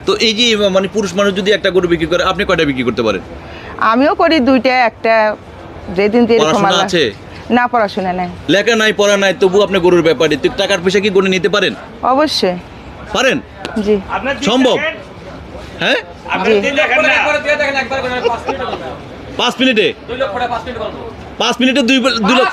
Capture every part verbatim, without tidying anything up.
তো এই যে মানে পুরুষ মানুষ যদি একটা গরু বিক্রি করে আপনি কয়টা বিক্রি করতে পারেন? আমিও করি দুইটা, একটা যেদিন যেরকম পড়াশোনা আল্লাহ- আছে? না, পড়াশোনা নাই। লেখা নাই পড়া নাই তবু আপনি গরুর ব্যাপারে তো টাকার পয়সা কি গণে নিতে পারেন? অবশ্যই। পারেন? জি। সম্ভব? হ্যাঁ, জি। পাঁচ মিনিটে পাঁচ মিনিটে দুই দুই লাখ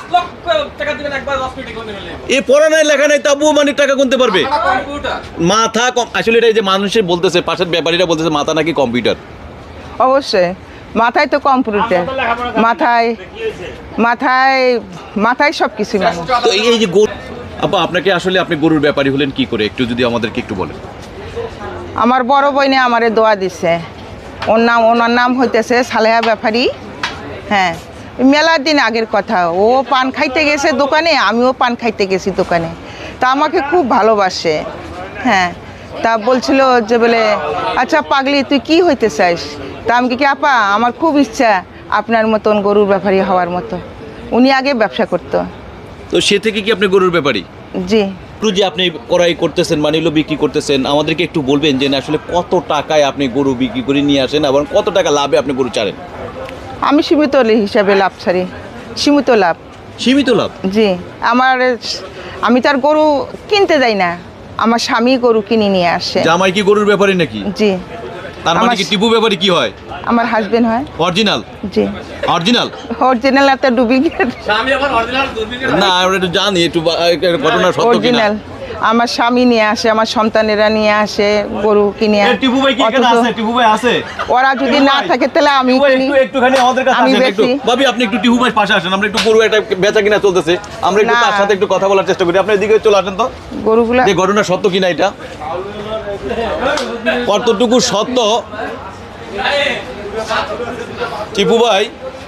এ পড়া নাই লেখা নাই তবুও মানে টাকা গুনতে পারবে? মাথা কম আসলে এটা যে মানুষের বলতেছে, পাশের ব্যাপারীরা বলতেছে মাথা নাকি কম্পিউটার। অবশ্যই মাথায় তো কম্পিউটার, মাথায় মাথায় মাথায় সব কিছু মানুষ। তো এই যে গরু আপা আপনাকে আসলে আপনি গরুর ব্যাপারী হলেন কি করে একটু যদি আমাদেরকে একটু বলেন। আমার বড় বইনে আমারে দোয়া দিছে, ওর নাম ওনার নাম হইতেছে সালেহা ব্যাপারী। হ্যাঁ, মেলার দিন আগের কথা, ও পান খাইতে গেছে দোকানে, আমিও পান খাইতে গেছি দোকানে, তা আমাকে খুব ভালোবাসে। হ্যাঁ, তা বলছিল যে বলে আচ্ছা পাগলি তুই কি হইতে চাস? তা আমি কি আপা আমার খুব ইচ্ছা আপনার মতন গরুর ব্যাপারী হওয়ার মতো। উনি আগে ব্যবসা করতো। তো সে থেকে কি আপনি গরুর ব্যাপারী? জি। গরু যে আপনি ক্রয় করতেছেন মানে হলো বিক্রি করতেছেন, আমাদেরকে একটু বলবেন যে না আসলে কত টাকায় আপনি গরু বিক্রি করে নিয়ে আসেন এবং কত টাকা লাভে আপনি গরু ছাড়েন? আমি সীমিত হিসাবে লাভ ছাড়ি, সীমিত লাভ। সীমিত লাভ? জি। আমার আমি তার গরু কিনতে যাই না, আমার স্বামী গরু কিনে নিয়ে আসে। জামাই কি গরুর ব্যাপারী নাকি? জি। তার মানে আমার- কি টিপু ব্যাপারী কি হয়? আমার হাজবেন্ড হয়। অরিজিনাল? জি। অরিজিনাল অরিজিনাল একটা ডুপ্লিকেট। না আমরা একটু জানি একটু বা- একটা ঘটনা সত্য কিনা। অরিজিনাল আমার স্বামী নিয়ে আসে, আমার সন্তানেরা নিয়ে আসে গরু কিনে। এ, টিপু ভাই কি এখানে অথচ আছে? টিপু ভাই আছে? ওরা যদি টিপু না ভাই, থাকে তাহলে আমি টিপু ভাই কিনি। একটু একটুখানি আমাদের কাছে আমি আসেন একটু। বেশি। ভাবি আপনি একটু টিপু ভাই পাশে আসেন, আমরা একটু গরু একটা বেচা কিনা চলতেছে, আমরা একটু না। তার সাথে একটু কথা বলার চেষ্টা করি। আপনি এদিকে চলে আসেন তো, গরুগুলা যে ঘটনা সত্য কিনা এটা কতটুকু সত্য। টিপু ভাই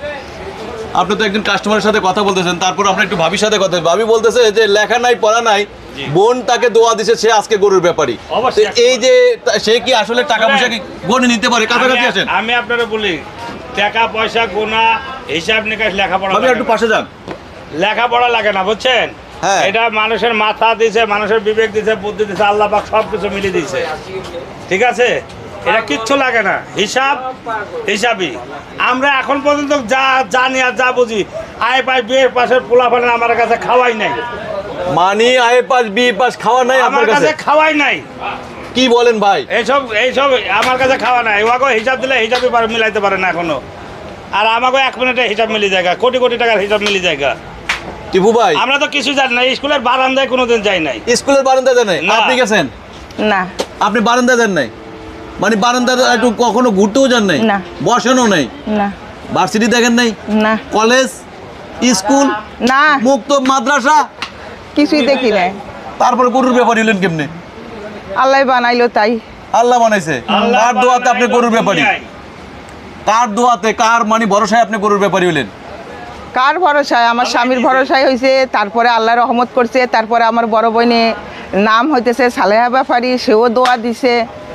আপনি তো একজন কাস্টমারের সাথে কথা বলতেছেন, তারপর আপনি একটু ভাবির সাথে কথা, ভাবি বলতেছে যে লেখা নাই পড়া নাই, বোন তাকে দোয়া দিছে, সে আজকে গরুর ব্যাপারী। অবশ্যই। তো এই যে তা- সে কি আসলে টাকা পয়সা কি গণে নিতে পারে? কাছাকাছি আমি- আছেন? আমি আপনারা বলি টাকা পয়সা গোনা হিসাব নিকাশ লেখাপড়া ভাবি লাগে একটু না। পাশে যান। লেখাপড়া লাগে না বুঝছেন। হ্যাঁ। এটা মানুষের মাথা দিছে, মানুষের বিবেক দিছে, বুদ্ধি দিছে, আল্লাহ পাক সব কিছু মিলিয়ে দিছে। ঠিক আছে, এটা কিচ্ছু লাগে না, হিসাব হিসাবই। আমরা এখন পর্যন্ত যা জানি আর যা বুঝি, আয় পাই বিয়ের পাশের পোলা ফালে আমার কাছে খাওয়াই নাই, মানি আয়ে পাস বি পাস খাওয়া নাই আমার আপনার কাছে কাছে? খাওয়াই নাই। কি বলেন ভাই? এইসব এইসব আমার কাছে খাওয়া নাই। ওয়াকে হিসাব দিলে হিসাবই পারে মিলাইতে পারে না এখনো। আর আমাকে এক মিনিটে হিসাব মিলি জায়গা, কোটি কোটি টাকার হিসাব মিলি জায়গা। টিপু ভাই আমরা তো কিছু জানি না, স্কুলের বারান্দায় কোনোদিন যাই নাই। স্কুলের বারান্দা দেন নাই? না। আপনি গেছেন? না। আপনি বারান্দা দেন নাই? মানে বারান্দা একটু কখনো ঘুরতেও যান নাই? না। বসানো নাই? না। ভার্সিটি দেখেন নাই? না। কলেজ, স্কুল, না, মুক্ত মাদ্রাসা, কিছুই দেখি নাই। তারপরে গরুর ব্যাপারী হলেন কেমনে? আল্লাহ বানাইলো তাই। আল্লাহ বানাইছে। আল্লাহ কার দোয়াতে আপনি বানাইলো গরুর ব্যাপারী? দুনিয়ায়। কার দোয়াতে, কার মানে ভরসায় আপনি গরুর ব্যাপারী হলেন? কার ভরসায়? আমার স্বামীর ভরসায় হয়েছে, তারপরে আল্লাহ রহমত করছে, তারপরে আমার বড় বোনে নাম হইতেছে সালেহা ব্যাপারী, সেও দোয়া দিছে।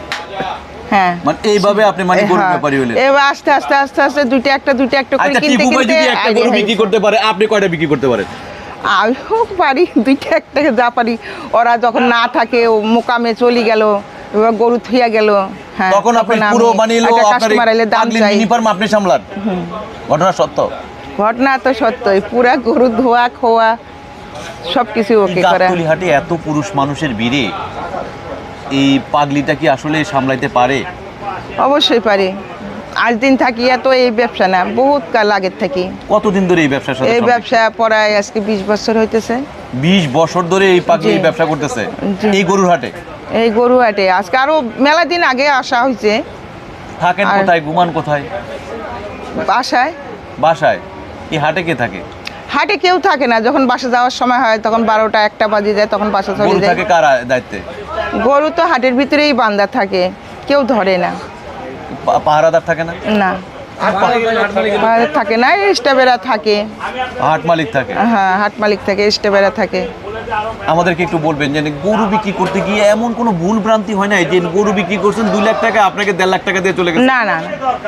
হ্যাঁ। মানে এইভাবে আপনি মানে গরুর হ্যাঁ। ব্যাপারী হলেন। এবার আস্তে আস্তে আস্তে আস্তে দুইটা একটা দুইটা একটা করে আচ্ছা কিনতে টিপু ভাই কিনতে যদি একটা idea গরু বিক্রি হয়েছে। করতে পারে, আপনি কয়টা বিক্রি করতে পারেন? আমিও পারি দুইটা একটা যা পারি। ওরা যখন না থাকে ও মোকামে চলে গেল, এবার গরু থুইয়া গেল, হ্যাঁ, তখন আপনি আমি পুরো মানে হলো একটা আপনার কাস্টমার আইলে দাম পাগলি চাই। মিনি ফার্ম আপনি সামলান। ঘটনা সত্য। ঘটনা তো সত্যই, পুরা গরু ধোয়া খোয়া সব কিছু ওকে করা। গাবতলী হাটে এত পুরুষ মানুষের ভিড়ে এই পাগলিটা কি আসলে সামলাইতে পারে? অবশ্যই পারি। আজ দিন থাকি এত এই ব্যবসা না, বহুত কাল আগের থাকি কতদিন ধরে এই ব্যবসার সাথে এই সম্পৃক্ত? ব্যবসা পড়ায় আজকে বিশ বছর হইতেছে। বিশ বছর ধরে এই পাগলি জি। এই ব্যবসা করতেছে জি। এই গরুর হাটে? এই গরু হাটে আজকে আরো মেলা দিন আগে আসা হয়েছে। থাকেন আর- কোথায়, ঘুমান কোথায়? বাসায়। বাসায়? এই হাটে কে থাকে? হাটে কেউ থাকে না, যখন বাসা যাওয়ার সময় হয় তখন বারোটা একটা বাজে যায়, তখন বাসা চলে গরু যায়। থাকে কার দায়িত্বে? গরু তো হাটের ভিতরেই বান্ধা থাকে, কেউ ধরে না। পা- পাহারাদার থাকে না? না, আর থাকে না, স্টাফেরা থাকে। হাট মালিক থাকে? হ্যাঁ, হাট মালিক থাকে, স্টাফেরা থাকে। আমাদেরকে একটু বলবেন যে গরু বিক্রি করতে গিয়ে এমন কোনো ভুল ভ্রান্তি হয় না যে গরু বিক্রি করছেন দুই লাখ টাকা আপনাকে দেড় লাখ টাকা দিয়ে চলে গেছে? না না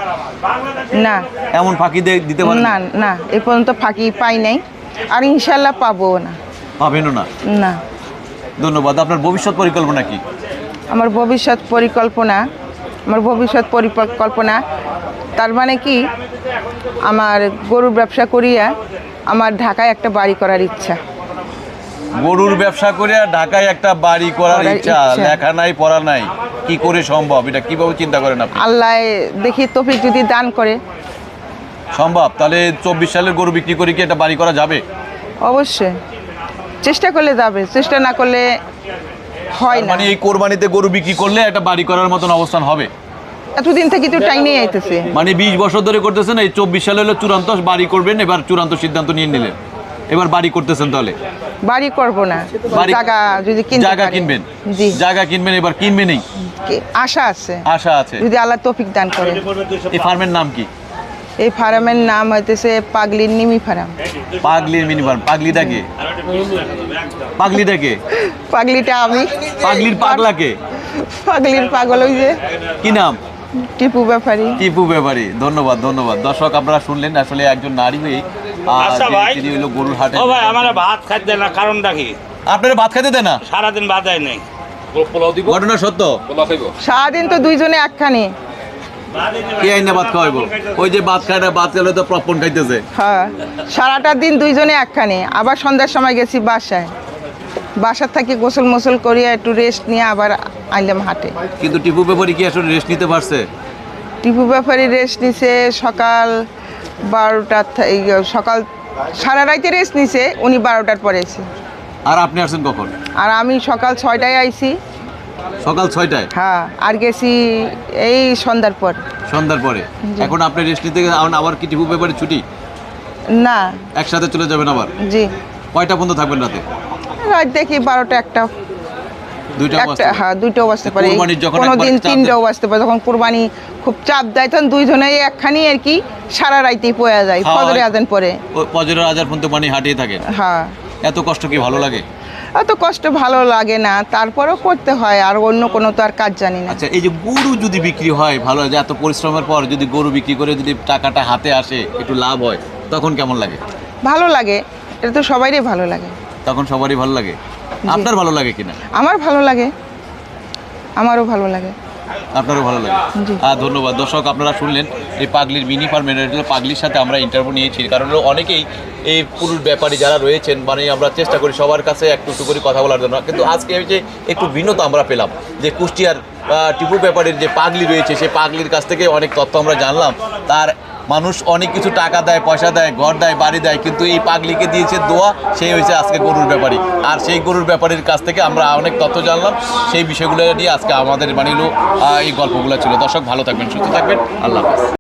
না এমন ফাঁকি দিয়ে দিতে পারেন? না না, এ পর্যন্ত ফাঁকি পাই নাই, আর ইনশাল্লাহ পাবো না। পাবেনও না? না। ধন্যবাদ। আপনার ভবিষ্যৎ পরিকল্পনা কি? আমার ভবিষ্যৎ পরিকল্পনা আমার ভবিষ্যৎ পরিকল্পনা, তার মানে কি আমার গরুর ব্যবসা করিয়া আমার ঢাকায় একটা বাড়ি করার ইচ্ছা। গরুর ব্যবসা করে ঢাকায় একটা বাড়ি করার করার ইচ্ছা, ইচ্ছা। লেখা নাই পড়া নাই, কি করে সম্ভব? এটা কিভাবে চিন্তা করেন আপনি? আল্লাহ দেখি তৌফিক যদি দান করে। সম্ভব? তাহলে চব্বিশ সালের গরু বিক্রি করে কি একটা বাড়ি করা যাবে? অবশ্যই চেষ্টা করলে যাবে, চেষ্টা না করলে হয় না। মানে এই কোরবানিতে গরু বিক্রি করলে একটা বাড়ি করার মতন অবস্থান হবে? এতদিন থেকে তো টাইম নিয়ে আইতেছে। মানে বিশ বছর ধরে করতেছেন, এই চব্বিশ সালে হলো চূড়ান্ত বাড়ি করবেন, এবার চূড়ান্ত সিদ্ধান্ত নিয়ে নিলেন, এবার বাড়ি করতেছেন। তাহলে বাড়ি করব না, বাড়ি- জায়গা যদি কিনতে জায়গা পারি। কিনবেন? জি, জায়গা কিনবেন, এবার কিনবেনই? কি- আশা আছে, আশা আছে। যদি আল্লাহ তৌফিক দান করে। এই ফার্মের নাম কি? এই ফার্মের নাম হইতেছে পাগলির নিমি ফার্ম। পাগলির মিনি ফার্ম। পাগলিটা কে? পাগলিটা কে? পাগলিটা আমি। পাগলির পাগলাকে? পাগলির পাগল ওই যে কি নাম? টিপু ব্যাপারী। টিপু ব্যাপারী। ধন্যবাদ, ধন্যবাদ। দর্শক আপনারা শুনলেন, আসলে একজন নারী হয়ে আহ, আচ্ছা যে ভাই। তিনি হলো গরুর হাটে। ও ভাই, আমার ভাত খাইতে না, কারণটা কি? আপনারা ভাত খাইতে দেন না? সারাদিন ভাত দেয় নেই। ঘটনা সত্য? সারাদিন তো দুইজনে একখানি। কে আইনা ভাত খাওয়াইবো? ওই যে ভাত খায় না, ভাত খেলে তো প্রপন খাইতেছে। হ্যাঁ, সারাটা দিন দুইজনে একখানি। আবার সন্ধ্যার সময় গেছি বাসায়, বাসার থেকে গোসল মোসল করিয়া একটু রেস্ট নিয়ে আবার আইলাম হাটে। কিন্তু টিপু ব্যাপারী কি আসলে রেস্ট নিতে পারছে? টিপু ব্যাপারী রেস্ট নিছে সকাল বারোটার থে- এই সকাল সারা রাইতে রেস্ট নিছে, উনি বারোটার পরে এসে। আর আপনি আসছেন কখন? আর আমি সকাল ছয়টায় আইছি। সকাল ছয়টায়? হ্যাঁ, আর গেছি এই সন্ধ্যার পর। সন্ধ্যার পরে? এখন আপনি রেস্ট নিতে গেলে আবার- আবার কি টিপু ব্যাপারী ছুটি? না, একসাথে চলে যাবেন আবার? জি, কয়টা পর্যন্ত থাকবেন রাতে? রাত দেখি বারোটা একটা দুইটা একটা অবস্থা? হ্যাঁ দুইটাও বাজতে পারে, কোরবানির যখন কোনো একবার দিন চাপ দেয়। তিনটাও বাজতে পারে। যখন কোরবানি খুব চাপ দেয় তখন দুইজনেই একখানি আর কি সারা রাইতেই পয়া যায়, খাওয়া ফজরে হয়? আজান পরে। ও ফজরের আজান পর্যন্ত মানে হাঁটিয়ে থাকেন? হ্যাঁ, এত কষ্ট কি ভালো লাগে? এত কষ্ট ভালো লাগে না, তারপরেও করতে হয়, আর অন্য কোনো তো আর কাজ জানি না। আচ্ছা, এই যে গরু যদি বিক্রি হয়, ভালো যে এত পরিশ্রমের পর যদি গরু বিক্রি করে যদি টাকাটা হাতে আসে, একটু লাভ হয়, তখন কেমন লাগে? ভালো লাগে, এটা তো সবাইরই ভালো লাগে। তখন সবারই ভালো লাগে। আপনার ভালো লাগে কিনা? আমার ভালো লাগে, আমারও ভালো লাগে। আপনারও ভালো লাগে? জি। আর ধন্যবাদ। দর্শক আপনারা শুনলেন এই পাগলির মিনি ফার্মের পাগলির সাথে আমরা ইন্টারভিউ নিয়েছি, কারণ হলো অনেকেই এই পুরুষ ব্যাপারী যারা রয়েছেন, মানে আমরা চেষ্টা করি সবার কাছে একটু একটু করে কথা বলার জন্য, কিন্তু আজকে এই যে একটু ভিন্নতা আমরা পেলাম, যে কুষ্টিয়ার আহ, টিপু ব্যাপারীর যে পাগলি রয়েছে, সেই পাগলির কাছ থেকে অনেক তথ্য আমরা জানলাম। তার মানুষ অনেক কিছু টাকা দেয়, পয়সা দেয়, ঘর দেয়, বাড়ি দেয়, কিন্তু এই পাগলিকে দিয়েছে দোয়া, সেই হয়েছে আজকে গরুর ব্যাপারী। আর সেই গরুর ব্যাপারীর কাছ থেকে আমরা অনেক তথ্য জানলাম, সেই বিষয়গুলো নিয়ে আজকে আমাদের মানে হলো আহ, এই গল্পগুলো ছিল। দর্শক ভালো থাকবেন, সুস্থ থাকবেন, আল্লাহ হাফেজ।